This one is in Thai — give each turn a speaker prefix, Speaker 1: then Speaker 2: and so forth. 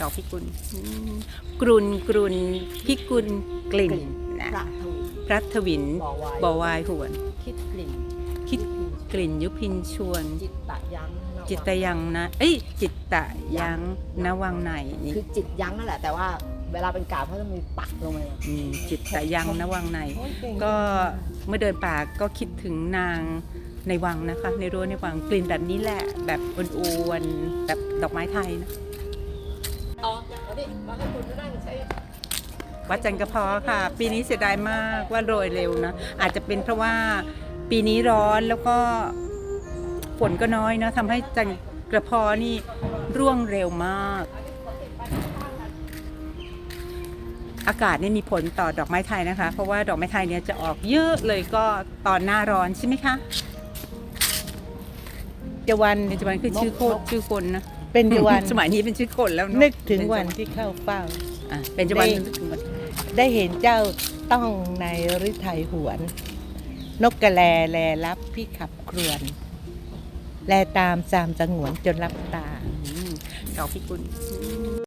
Speaker 1: ดอกพิกุลกรุนพิกุลกลิ่นนะพระทวินบ่อวายหวนคิดกลิ่นยุพินชวนจิตตะยังนะจิตตะยังนวังในนี่
Speaker 2: คือจิตยั้งนั่นแหละแต่ว่าเวลาเป็นกาบเขาจะมีปักลงไป
Speaker 1: จิตตะยังนวังในก็เมื่อเดินป่าก็คิดถึงนางในวังนะคะในรั้วในวังกลิ่นแบบนี้แหละแบบอ้วนๆแบบดอกไม้ไทยนะวัดจันทร์กระเพาะค่ะปีนี้เสียดายมากว่าโรยเร็วนะอาจจะเป็นเพราะว่าปีนี้ร้อนแล้วก็ฝนก็น้อยนะทำให้จันทร์กระเพาะนี่ร่วงเร็วมากอากาศนี่มีผลต่อดอกไม้ไทยนะคะเพราะว่าดอกไม้ไทยเนี่ยจะออกเยอะเลยก็ตอนหน้าร้อนใช่ไหมคะเจวันคือชื่อคนนะ
Speaker 3: เป็นเจวัน
Speaker 1: สมัยนี้เป็นชื่อคนแล้ว
Speaker 3: นึกถึงวันที่เข้าเฝ้า
Speaker 1: เป็นเจวันนึกถึงวัน
Speaker 3: ได้เห็นเจ้าต้องในฤทัยหวนนกกระแลรับพี่ขับครวนแลตามสามสงวนจนรับตา
Speaker 1: ดอกพิกุล